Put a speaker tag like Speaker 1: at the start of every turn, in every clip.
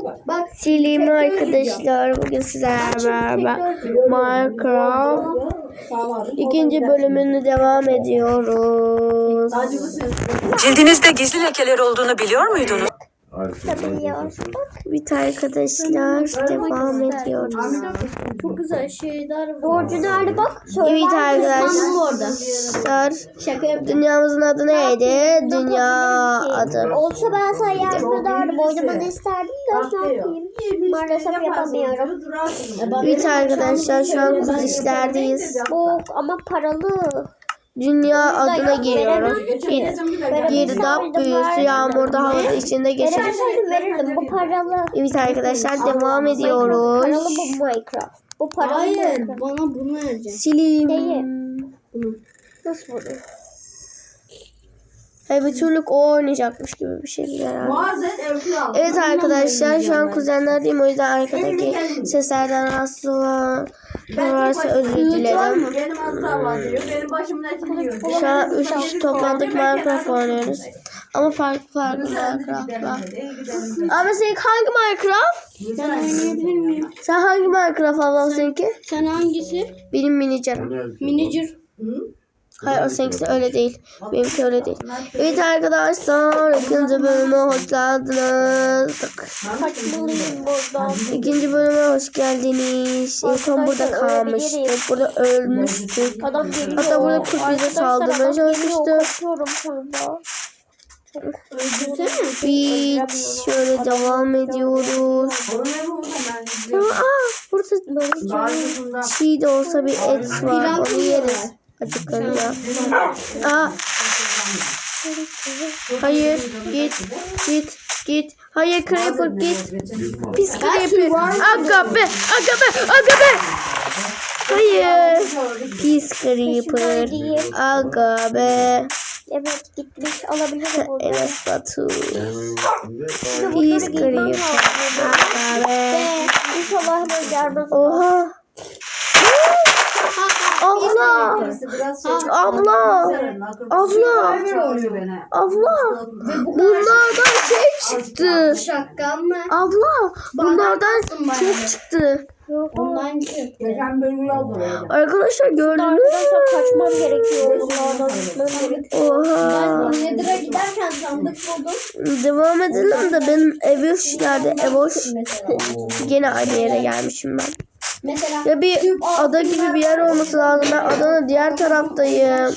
Speaker 1: Bak.
Speaker 2: Selam arkadaşlar. Bugün sizlerle beraber Minecraft ikinci bölümünü devam ediyoruz.
Speaker 3: Cildinizde gizli lekeler olduğunu biliyor muydunuz?
Speaker 2: Evet arkadaşlar devam ediyoruz.
Speaker 1: Çok güzel şeyler. Borcu nerede bak?
Speaker 2: Evet arkadaşlar.
Speaker 1: Şaka yapıyorum.
Speaker 2: Dünyamızın adı neydi? Dünya adı.
Speaker 1: Olsa ben sana yardım ederdim. Oynamanı isterdim de ne yapayım? Maalesef yapamıyorum.
Speaker 2: Evet arkadaşlar şu an kuz işlerdeyiz.
Speaker 1: Bu ama paralı.
Speaker 2: Dünya adına giriyoruz. Girdap büyüsü yağmurda havada içinde geçer.
Speaker 1: Verirdim. Bu paralı.
Speaker 2: Evet arkadaşlar devam ediyoruz.
Speaker 1: Paralı bu Minecraft. Bu paralı. Hayır. Bana bunu vereceksin.
Speaker 2: Sileyim.
Speaker 1: Değil. Nasıl bunu?
Speaker 2: Bir türlü o oynayacakmış gibi bir şey herhalde. Evet arkadaşlar şu an kuzenlerdeyim, o yüzden arkadaki seslerden rahatsız olan varsa özür dilerim.
Speaker 4: Benim asla var diyor. Benim başımın etini yiyor.
Speaker 2: Şu an 3 kişi toplandık Minecraft oynuyoruz. Ama farklı Minecraft'lar. Ama senin hangi Minecraft?
Speaker 1: Ben oynayabilir miyim?
Speaker 2: Sen hangi Minecraft ablam seninki?
Speaker 1: Sen hangisi?
Speaker 2: Benim Minicer.
Speaker 1: Minicer.
Speaker 2: Hayır o seninkisi öyle değil. Benimki öyle değil. Evet arkadaşlar ikinci bölüme hoş geldiniz.
Speaker 1: Kaçmalıyım buradan.
Speaker 2: İkinci bölüme hoş geldiniz. En son burada kalmıştık. Burada ölmüştük.
Speaker 1: Adam geliyor.
Speaker 2: Hatta burada kurt bize saldırmaya çalışmıştı.
Speaker 1: Kaçıyorum burada.
Speaker 2: Biz şöyle devam ediyoruz. Burada çiğ de olsa bir et var. Onu yeriz. Acıklanıyor. Hayır git. Hayır Creeper git. Pis Creeper. Aga be. Hayır. Pis Creeper. Aga be.
Speaker 1: Evet gitmiş alabilirim burada.
Speaker 2: Enes Batu. Pis Creeper. Aga be.
Speaker 1: İnşallah hemen gelmez.
Speaker 2: Oha. Abla. Bunlardan çıktı.
Speaker 1: Şaka mı?
Speaker 2: Abla. Bunlardan çok çıktı.
Speaker 1: Ondan çıktı.
Speaker 4: Geçen bölümü yazdı.
Speaker 2: Arkadaşlar gördünüz mü?
Speaker 1: Arkadaşlar kaçmam gerekiyor. Bunlardan gitmem gerekiyor.
Speaker 2: Oha.
Speaker 1: Nedir'e giderken sandık buldum.
Speaker 2: Devam edelim de benim Evoş'lerde Evoş. Gene aynı yere gelmişim ben.
Speaker 1: Mesela
Speaker 2: Ya bir ada gibi bir yer olması lazım. Ben adanın diğer taraftayım.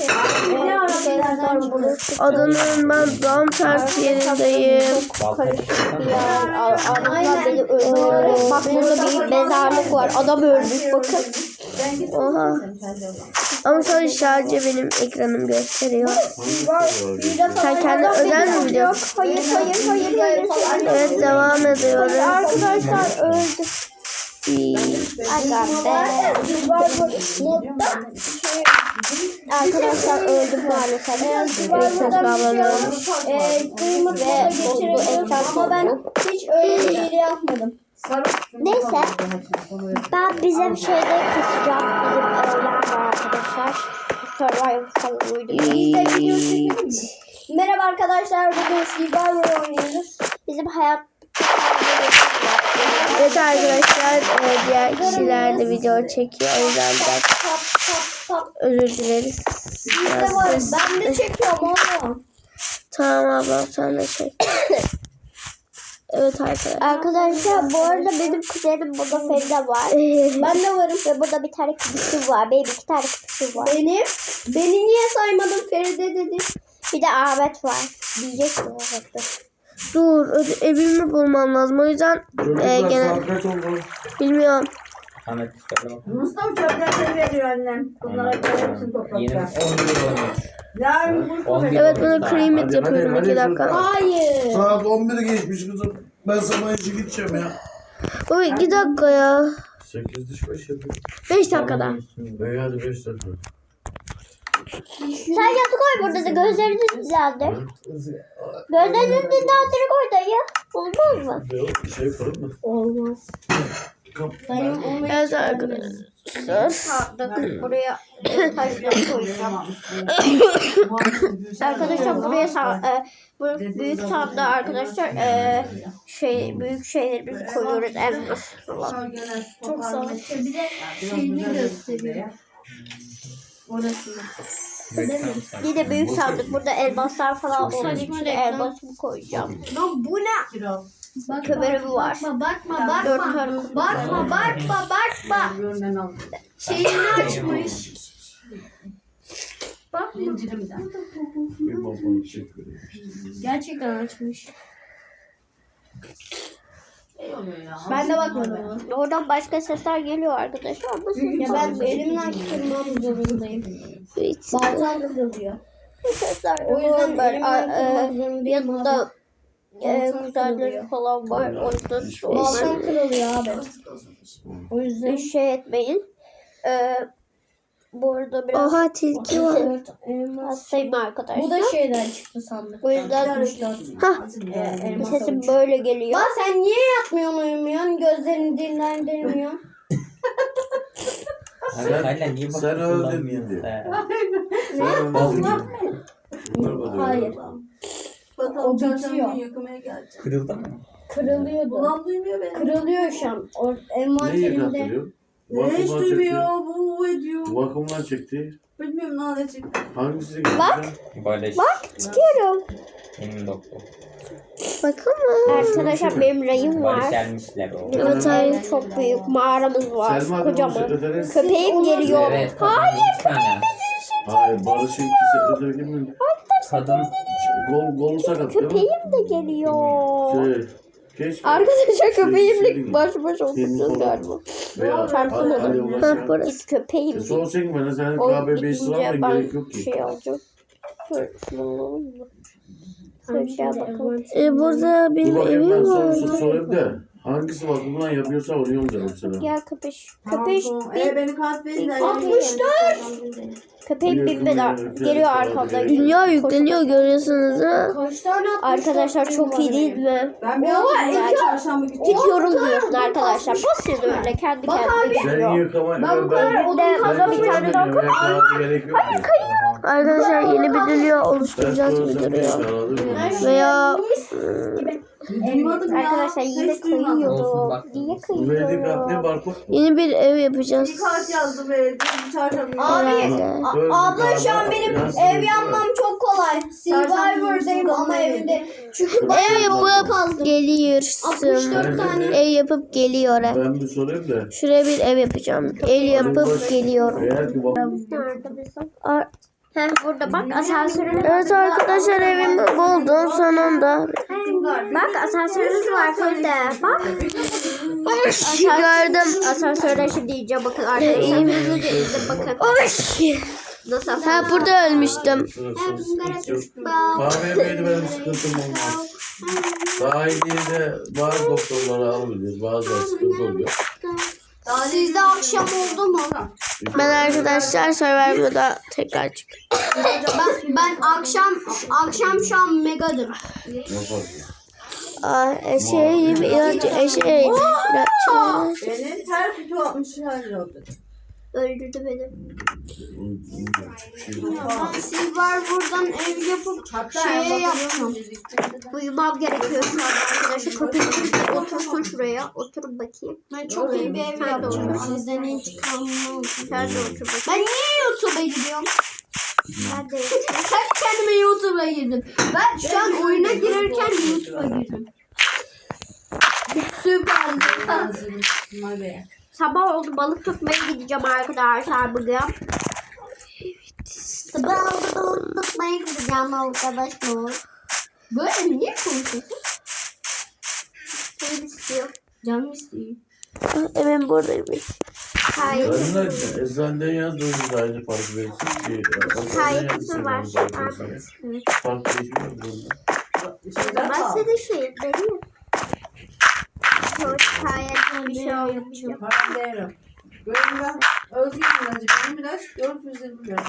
Speaker 2: Adanın ben tam tersi yerindeyim.
Speaker 1: karışık bir yer. Adamlar beni öldürüyor. Bak burada bir mezarlık var. Adam ölmüş bakın.
Speaker 2: Oha. Ama sadece benim ekranım gösteriyor. Sen kendi özel mi biliyorsun?
Speaker 1: Hayır.
Speaker 2: Evet devam ediyoruz.
Speaker 1: Arkadaşlar öldü. Arkadaşlar öldü maalesef.
Speaker 2: Evet ablam ölmüş.
Speaker 1: Ve bozdu ekran. Ama ben hiç öyle bir şey yapmadım. Neyse. Ben bizim şeyde keseceğim. Bizim öğlen var arkadaşlar. Survivor falan uydu. Merhaba arkadaşlar. Bugün Survivor oynuyoruz. Bizim hayat
Speaker 2: Evet arkadaşlar diğer kişiler de video çekiyor. O yüzden biraz özür dileriz.
Speaker 1: Ben de çekiyorum oğlum.
Speaker 2: Tamam ablam sen de çek. Evet arkadaşlar.
Speaker 1: Arkadaşlar bu arada benim kuzenim burada Feride var. Ben de varım. Ve burada bir tane kızı var. Benim 2 tane kızı var. Beni niye saymadın Feride dedi. Bir de Ahmet var. Diyecek mi Ahmet'te?
Speaker 2: Dur evimi bulmam lazım. O yüzden gene bilmiyorum.
Speaker 4: Mustafa çöpleri veriyor annem. Bunlara hepsini toplayacak.
Speaker 2: Evet bunu kremit yapıyorum 2 dakika.
Speaker 1: Hayır.
Speaker 5: Saat 11'i geçmiş kızım. Ben sabah işe gideceğim ya.
Speaker 2: O 2 dakika ya.
Speaker 5: 8 diş baş yapıyor.
Speaker 2: 5 dakikada.
Speaker 5: Hadi 5 dakika.
Speaker 1: Sen yatı koy burada da gözlerini düzeldir. Gözlerini düzeldir koy dayı. Olmaz mı?
Speaker 5: Şey fırın mı?
Speaker 1: Olmaz.
Speaker 2: Evet arkadaşlar.
Speaker 1: Sandık. Buraya taşları koyacağım. Arkadaşlar buraya bu büyük sandığa arkadaşlar büyük şeylerimizi koyuyoruz. Elmas falan.
Speaker 4: Çok sağ ol. Bir de şeyini gösteriyor. Orasını.
Speaker 1: Yine büyük sandık. Burada elmaslar falan olduğu için elmasımı koyacağım.
Speaker 4: Lan bu ne? Kiro.
Speaker 1: Kömürüm var.
Speaker 4: Bakma. Görünen aldı.
Speaker 1: Şeyini açmış.
Speaker 4: Zincirimden.
Speaker 5: Bir babamı çekiyor.
Speaker 1: Gerçekten açmış.
Speaker 4: Şey oluyor ya.
Speaker 1: Ben de bakmadım. Oradan başka sesler geliyor arkadaşlar. Ya ben elimden kırmam zorundayım. Bazen kırılıyor. Sesler o yüzden böyle yanında kuzenleri falan var. O yüzden bazen kırılıyor abi. O yüzden şey etmeyin. Bu arada biraz
Speaker 2: Oha tilki var.
Speaker 1: hastayım arkadaşlar.
Speaker 6: Bu da şeyden çıktı sandık.
Speaker 1: O yüzden sesim böyle geliyor.
Speaker 6: Lan sen niye yatmıyorsun uyumuyorsun? Gözlerini dinlendirmiyorsun.
Speaker 7: Hala niye
Speaker 5: Sen öldün diye. Sen öldün diye.
Speaker 6: Hayır.
Speaker 4: Bakalım
Speaker 6: O
Speaker 4: çarşamba
Speaker 6: bitiyor.
Speaker 4: günü yakmaya gelecek.
Speaker 7: Kırıldı mı?
Speaker 6: Kırılıyordu.
Speaker 4: Ulan duymuyor beni.
Speaker 6: Kırılıyor şu an. O
Speaker 5: Neyi
Speaker 6: envanterinde.
Speaker 5: yıkattırıyor?
Speaker 4: Ne hiç
Speaker 5: Vakumdan
Speaker 4: duymuyor.
Speaker 5: çekti.
Speaker 4: Bu ediyor.
Speaker 5: Vakumdan çekti.
Speaker 4: Bilmiyorum ne çıktı.
Speaker 5: Hangisini getireceğim?
Speaker 7: Barış.
Speaker 1: Çıkıyorum.
Speaker 7: Benim doktor.
Speaker 2: Bakın mı?
Speaker 1: Arkadaşlar benim rayım
Speaker 7: Barış
Speaker 1: var.
Speaker 7: gelmişler o.
Speaker 2: Evet hayır.
Speaker 1: Çok büyük mağaramız var.
Speaker 5: Selma Hanım'ın
Speaker 1: Kocaman.
Speaker 5: sekreteri.
Speaker 1: Köpeğim geliyor.
Speaker 7: Evet. Hayır.
Speaker 5: Hayır Barış'ın sekreteri kim mi?
Speaker 7: Kadın.
Speaker 5: Golu sakat değil mi?
Speaker 1: Köpeğim de geliyor.
Speaker 5: Keşke.
Speaker 1: Arkadaşlar
Speaker 5: Şey
Speaker 1: köpeğimle baş başa
Speaker 5: Senin
Speaker 1: oturacağız
Speaker 5: kolun.
Speaker 1: galiba.
Speaker 5: Veya
Speaker 1: Çarpılmadı.
Speaker 5: Ali
Speaker 2: Ha
Speaker 5: ulaşan.
Speaker 2: burası.
Speaker 1: Git köpeğim.
Speaker 5: Sorsan bana senin
Speaker 1: O
Speaker 5: KB5
Speaker 1: gidince
Speaker 5: sıran da gerek yok
Speaker 1: ben
Speaker 5: ki.
Speaker 1: şey alacağım. Şöyle bakalım.
Speaker 2: Burada
Speaker 5: Dur
Speaker 2: benim
Speaker 5: bakayım ben
Speaker 2: evim var.
Speaker 5: sorayım da. Hangisi vakumdan yapıyorsa onu yollayacağım sana.
Speaker 1: Gel köpeş. Köpeş
Speaker 4: Beni kart verin de.
Speaker 1: 64. Köpeğim binmeden geliyor arkamdan.
Speaker 2: Dünya yükleniyor görüyorsunuz ha.
Speaker 6: Kaç tane
Speaker 1: Arkadaşlar çok iyi değil mi?
Speaker 4: Ben bir hafta çarşamba günü.
Speaker 1: Gidiyorum diyorsun arkadaşlar. Basıyor öyle kendi kendine
Speaker 5: Sen
Speaker 1: gidiyor.
Speaker 5: yıkama. Ben
Speaker 1: Bir de bana bir tane daha
Speaker 5: kapı. Gerek yok ki.
Speaker 2: Arkadaşlar yeni bir dünya oluşturacağız gibi duruyor. Veya
Speaker 4: Duymadım ya.
Speaker 1: Arkadaşlar yine
Speaker 7: Olsun,
Speaker 1: kıyıyordu.
Speaker 7: bak.
Speaker 1: Niye
Speaker 5: Verdik
Speaker 1: kıyıyor?
Speaker 5: ne barkod?
Speaker 2: yeni bir ev yapacağız.
Speaker 4: Bir kart yazdım ve çarşamba günü.
Speaker 2: Herhalde.
Speaker 6: Abla şu an benim ev yapmam çok kolay. Survivor'dayım ama evinde. Çünkü
Speaker 2: Ev yapıp geliyorsun.
Speaker 6: 64 tane.
Speaker 2: Ev yapıp geliyor.
Speaker 5: Ben bir sorayım da.
Speaker 2: Şuraya bir ev yapacağım. Ev yapıp geliyorum.
Speaker 5: Eğer ki vakum.
Speaker 2: Ar-
Speaker 1: Heh, burada bak asansörümüz.
Speaker 2: Evet arkadaşlar evimi buldum sonunda.
Speaker 1: Bak asansörümüz var şurada. Bak.
Speaker 2: Gördüm.
Speaker 1: Asansörde şimdi diyeceğim bakın arkadaşlar. Hızlıca izle bakın. Nasıl
Speaker 2: Ha
Speaker 1: asansör?
Speaker 2: burada ölmüştüm.
Speaker 5: Kahve yemeydi benim sıkıntım olmaz. Sahiliye de bazı doktorları alabiliyoruz. Bazıları sıkıntı oluyor.
Speaker 6: Sizde akşam oldu mu?
Speaker 2: Ben arkadaşlar Survivor'da tekrar çıktım.
Speaker 6: Ben akşam şu an megadır.
Speaker 5: Yaparsın.
Speaker 2: Eşeği bir ilaç eşeği.
Speaker 4: Benim her kutu 60 lira oldu.
Speaker 1: Öldürdü beni.
Speaker 6: Siz var buradan ev yapıp şeye yapacağım.
Speaker 1: Uyumam gerekiyor şu an arkadaşlar. Köpek otursun şuraya. Oturun bakayım.
Speaker 6: Ben çok iyi bir ev
Speaker 1: Sen de
Speaker 6: yapacağım.
Speaker 1: otur.
Speaker 6: Sizden hiç kalmam.
Speaker 1: Sen de otur bakayım.
Speaker 6: Ben niye YouTube'a gidiyorum?
Speaker 1: Ben de
Speaker 6: Sen kendime YouTube'a girdim. Ben şu an oyuna girerken YouTube'a girdim. Süper.
Speaker 1: Sabah oldu balık tutmaya gideceğim arkadaşlar bugün.
Speaker 6: Sabah oldu tutmaya gideceğim arkadaşlar. Böyle mi? Niye konuşuyorsun?
Speaker 1: Seni istiyor.
Speaker 6: Canım istiyor.
Speaker 2: Evim buradaymış.
Speaker 1: Hayır.
Speaker 5: Ben de eczaneden yazdığınız da aynı fark verirsin ki.
Speaker 1: Kayıtlısı var.
Speaker 5: Fark değişmiyor burada.
Speaker 1: Ben senin şeyin vereyim. Çok kayıtlı bir şey olmayacak.
Speaker 4: Para değerim. Görün ben Özgür'ün acı. Benim ilaç 420 lira.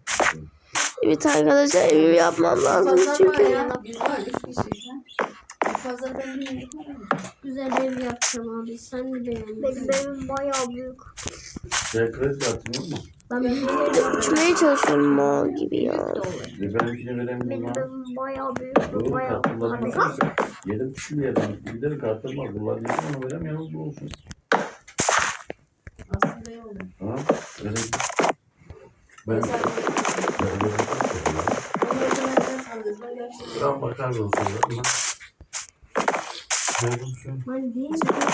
Speaker 2: Evet arkadaşlar evimi yapmam lazım çünkü.
Speaker 4: Biz var 3 kişiyiz. Pazar ben bir güzel ev yapacağım abi. Sen mi beğendin?
Speaker 1: Benim evim bayağı büyük.
Speaker 5: Sen kredi kartın yok mu?
Speaker 4: Ben bir ev
Speaker 2: Uçmaya çalışıyorum o gibi ya.
Speaker 5: Benimkini veremiyorum
Speaker 1: Benim
Speaker 5: ha.
Speaker 1: evim bayağı büyük.
Speaker 5: Oğlum
Speaker 1: Bayağı.
Speaker 5: kartım var. Yedim kişi yedim. Giderim kartım var. Kullanıyorum ama veremiyorum. Bu olsun.
Speaker 4: aslında iyi olur.
Speaker 5: Ha? Öyle. Ben ben bakarım o sırada. Ne yapıyorsun?
Speaker 4: Ben değil mi?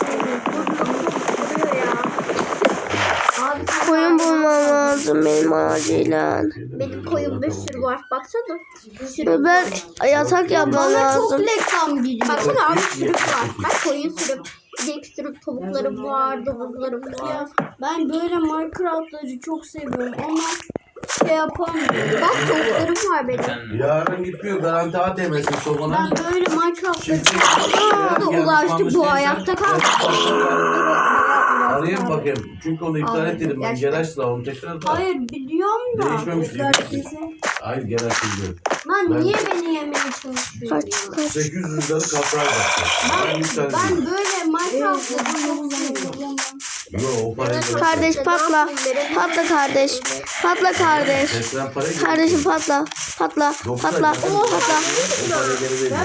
Speaker 1: Abi
Speaker 2: Koyun bulmam lazım benim acilen.
Speaker 1: benim koyun bir sürü var. Baksana.
Speaker 2: Ben yatak yapmam
Speaker 1: Bana çok
Speaker 2: lazım.
Speaker 1: reklam geliyor. Baksana abi sürük var. Bak koyun sürük. İnek sürük, tavuklarım var, domuzlarım var.
Speaker 4: Ben böyle Minecraft'ları çok seviyorum ama şey yapamıyorum.
Speaker 1: Bak tavuklarım var benim.
Speaker 5: Yarın gitmiyor. Garanti ATM'si sokana.
Speaker 4: Ben böyle Minecraft'ları
Speaker 1: Aa, da ulaştık bu ayakta kaldı.
Speaker 5: Arayayım bakayım. Çünkü onu iptal ettim ben. Geraçla onu tekrar da.
Speaker 4: Hayır biliyorum da.
Speaker 5: Değişmemiş gibi. Hayır Geraç değil.
Speaker 4: Lan
Speaker 5: Ben-
Speaker 4: niye beni yemeye çalışıyorsun?
Speaker 2: Kaç.
Speaker 5: 800 liralık kaprağa baktım. Ben iptal
Speaker 4: Ben
Speaker 5: ettim.
Speaker 4: böyle Minecraft'ları çok seviyorum.
Speaker 5: Yok o parayı da.
Speaker 2: Kardeş patla. Patla kardeş. Patla kardeş.
Speaker 5: Tekrar parayı
Speaker 2: Kardeşim patla. Patla. Patla. Patla.
Speaker 5: O parayı geri vereceğim.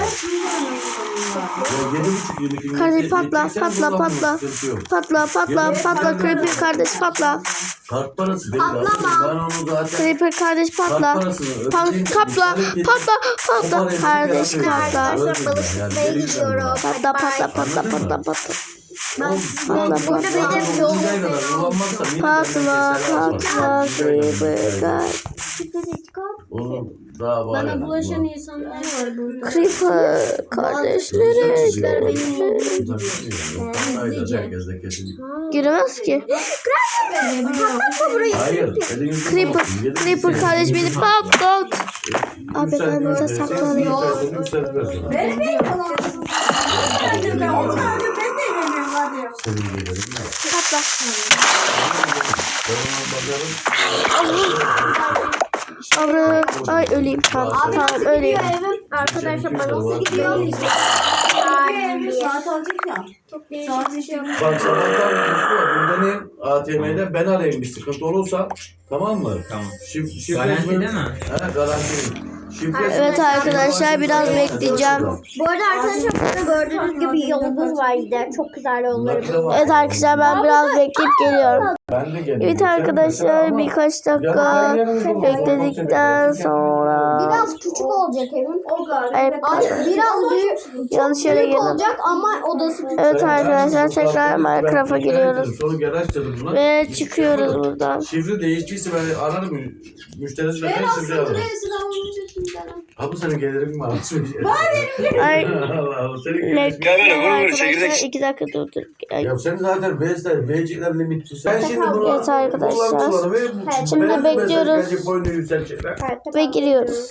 Speaker 5: Ya 7,5
Speaker 2: Kardeş patla. Patla. Patla. Patla. Patla. Patla. Creeper kardeş patla.
Speaker 5: Kart parası değil aslında. Ben onu zaten
Speaker 2: Creeper kardeş patla.
Speaker 5: kart parasını ödeyeyim.
Speaker 2: Patla. Patla.
Speaker 5: O
Speaker 2: Patla.
Speaker 5: parayı
Speaker 2: Kardeş
Speaker 5: bir kere
Speaker 2: patla.
Speaker 5: ödeyeceğim.
Speaker 1: Arkadaşlar balık tutmaya
Speaker 5: Yani
Speaker 1: gidiyorum.
Speaker 2: Patla. Patla. Patla. Patla. Patla.
Speaker 1: Burada benim yolum
Speaker 2: Patla. Patla. Creeper kardeş.
Speaker 5: Oğlum daha var
Speaker 4: Bana
Speaker 5: ya.
Speaker 4: bulaşan insanlar var burada.
Speaker 2: Creeper kardeşleri.
Speaker 5: Herkes de kesinlikle.
Speaker 2: Giremez ki.
Speaker 5: Hayır.
Speaker 2: Creeper. Creeper kardeş beni patlat. Abi ben burada saklanayım.
Speaker 5: Senin gelirim ya.
Speaker 2: Patla. Abi. Ay öleyim. Tamam. Tamam öleyim.
Speaker 1: Arkadaşlar bana gidiyor.
Speaker 4: Saat alacak ya. Saat işi yapıyor.
Speaker 5: Bak sabahtan burada ne? ATM'de ben arayayım bir sıkıntı olursa. Tamam mı?
Speaker 7: Tamam.
Speaker 5: Şifre
Speaker 7: Garanti değil mi?
Speaker 5: He garanti. Şifre
Speaker 2: Evet arkadaşlar biraz bekleyeceğim.
Speaker 1: Bu arada arkadaşlar burada gördüğünüz gibi yolumuz var gider. Çok güzel yollarımız var.
Speaker 2: Evet arkadaşlar ben biraz bekleyip geliyorum.
Speaker 5: Ben de geliyorum.
Speaker 2: Evet arkadaşlar birkaç dakika bekledikten sonra.
Speaker 1: Biraz küçük olacak evim.
Speaker 2: Ay,
Speaker 1: Biraz büyük,
Speaker 2: yanlış yere
Speaker 1: büyük
Speaker 2: girdim.
Speaker 1: olacak ama odası küçük.
Speaker 2: Evet arkadaşlar tekrar Minecraft'a giriyoruz.
Speaker 5: Sonra garaj dedim buna.
Speaker 2: Ve çıkıyoruz buradan.
Speaker 5: Şifre değiştiyse ben ararım. Müşteri şifre alırım. Abi senin gelirin var.
Speaker 2: Ay
Speaker 5: Allah Allah. Senin gelirin.
Speaker 2: bekliyorum arkadaşlar 2 dakika durdur. Ay,
Speaker 5: Ya sen zaten VC'ler limitli. Sen şimdi bunu
Speaker 2: Evet arkadaşlar.
Speaker 5: kullanıcıları ve
Speaker 2: Şimdi
Speaker 5: beğenmezsen
Speaker 2: bekliyoruz.
Speaker 5: gelecek boyunu yükselecekler.
Speaker 2: Ve giriyoruz.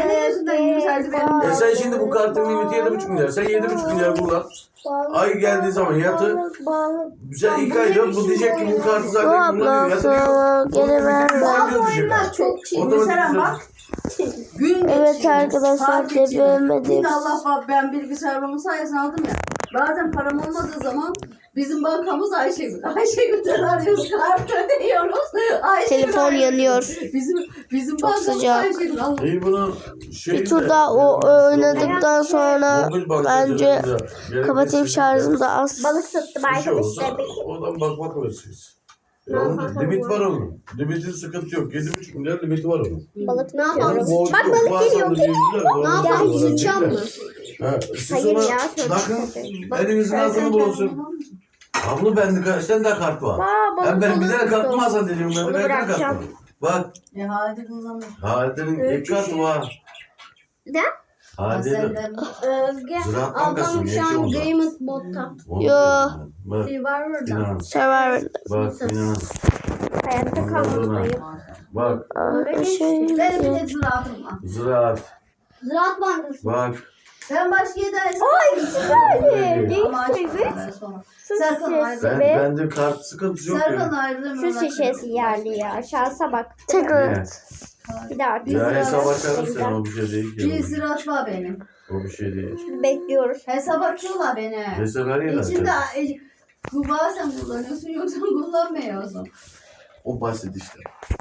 Speaker 5: Sen şimdi bu kartın limiti 7,5 milyar. Sen 7,5 milyar kullan. Ay geldiği zaman yatı. Sen ilk ayda bu diyecek ki bu kartı
Speaker 2: Bu
Speaker 5: zaten kullanıyor.
Speaker 2: ablası
Speaker 5: Yatı
Speaker 2: geri ver.
Speaker 4: Çok çiğ.
Speaker 5: Otomatik
Speaker 4: Mesela bak. Gün
Speaker 2: Evet
Speaker 4: geçiyor.
Speaker 2: arkadaşlar
Speaker 4: Saat geçiyor.
Speaker 2: devemedim.
Speaker 4: Bir de Allah bak ben bilgisayarımın sayesinde aldım ya. Bazen param olmadığı zaman bizim bankamız Ayşegül. Ayşegül'den arıyoruz, kart ödüyoruz. Ayşegül
Speaker 2: Telefon
Speaker 4: arıyor.
Speaker 2: yanıyor.
Speaker 4: Bizim
Speaker 2: Çok
Speaker 4: bankamız
Speaker 2: sıcak.
Speaker 4: Ayşegül. Allah.
Speaker 5: İyi bunu
Speaker 2: Bir tur daha o oynadıktan sonra bence kapatayım şarjım da az.
Speaker 1: Balık tuttum arkadaşlar.
Speaker 5: Oradan bakmak versiniz. Limit var onun. Limitin sıkıntı yok. 7,5 milyar limiti var onun.
Speaker 1: Balık ne
Speaker 5: Yani
Speaker 1: yapalım?
Speaker 5: borcu
Speaker 1: Bak
Speaker 5: yok.
Speaker 1: balık
Speaker 5: Bazen
Speaker 1: geliyor.
Speaker 5: de diyorlar,
Speaker 1: Ne yapalım? Sıçacağım mı?
Speaker 5: Siz
Speaker 1: Hayır
Speaker 5: ona
Speaker 1: ya,
Speaker 5: bakın.
Speaker 1: söyle.
Speaker 5: Elinizin altını bulunsun. Abla bende kaç tane daha kart var.
Speaker 1: Balık
Speaker 5: Ben bir tane
Speaker 1: tuttum.
Speaker 5: kart mı alsan dedim. Ben
Speaker 1: Onu
Speaker 5: bir tane kart var.
Speaker 1: bırakacağım.
Speaker 5: Bak.
Speaker 4: Hadi kullanalım.
Speaker 5: Halide'nin ilk kartı var.
Speaker 1: Ne?
Speaker 5: Halide'nin.
Speaker 4: Özge.
Speaker 5: Ziraat
Speaker 4: Ablam
Speaker 5: Bankası'nın
Speaker 4: şu an
Speaker 5: yeki
Speaker 4: Game modda.
Speaker 2: Yo.
Speaker 5: Bak.
Speaker 4: Var orada.
Speaker 5: Finans.
Speaker 2: Survivor.
Speaker 5: Bak finans.
Speaker 1: Hayatta
Speaker 5: Ondan sonra.
Speaker 1: kalmalıyım.
Speaker 5: Bak.
Speaker 2: Şey,
Speaker 4: Benim de ziraatım var.
Speaker 5: Ziraat.
Speaker 4: Ziraat bankası.
Speaker 5: Bak.
Speaker 4: Ben başka yerden ama sonra. Serkan ayrılır.
Speaker 5: Bende kart sıkıntısı yok
Speaker 4: Serkan
Speaker 5: ya.
Speaker 4: ayrılır.
Speaker 1: Su şişesi yerli ya. Şansa bak.
Speaker 2: tekrar
Speaker 5: Ne?
Speaker 2: et.
Speaker 1: Bir daha artık.
Speaker 5: Ya hesap açarız sen, o bir şey değil ki.
Speaker 4: Cizir açma benim.
Speaker 5: O bir şey değil.
Speaker 1: Bekliyoruz.
Speaker 4: Hesap açıyorlar beni.
Speaker 5: Hesap her yer
Speaker 4: İçinde
Speaker 5: açar.
Speaker 4: bu bazen kullanıyorsun yoksa kullanmıyorsun.
Speaker 5: O basit işte.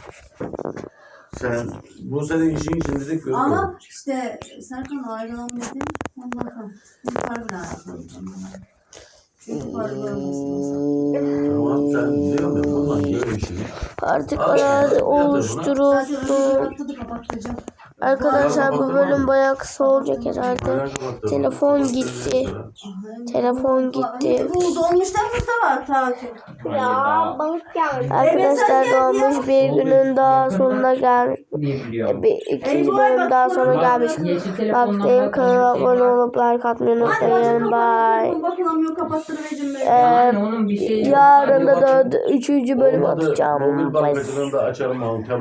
Speaker 5: Sen bu senin işin içinde de kötü.
Speaker 4: Ama işte Serkan ayrılalım dedim. Ondan sonra yukarı bile ayrılalım. Çünkü para görmesin.
Speaker 5: Tamam sen biliyor musun? Bundan böyle işini.
Speaker 2: Artık
Speaker 5: Al,
Speaker 2: arazi
Speaker 5: yatır buna.
Speaker 2: oluşturulsun.
Speaker 4: Kapattı kapatacağım.
Speaker 2: Arkadaşlar bu bölüm bayağı kısa olacak herhalde. Telefon gitti. Telefon gitti.
Speaker 4: Bu dolmuşlar burada var takip.
Speaker 1: Ya balık geldi.
Speaker 2: Arkadaşlar dolmuş bir günün daha sonuna gelmiş.
Speaker 7: Biliyorum.
Speaker 2: İkinci bölüm daha sonra gelmiş. Baktayım, kanala abone olup like atmayı unutmayın. Bye.
Speaker 4: Bakılamıyor kapattırıvereceğim ben.
Speaker 7: Yani onun bir şeyi yok.
Speaker 2: Yarın da 3. bölüm
Speaker 5: Olmadı,
Speaker 2: atacağım.
Speaker 5: mobil
Speaker 2: Bye.
Speaker 5: bankacılığını da açalım.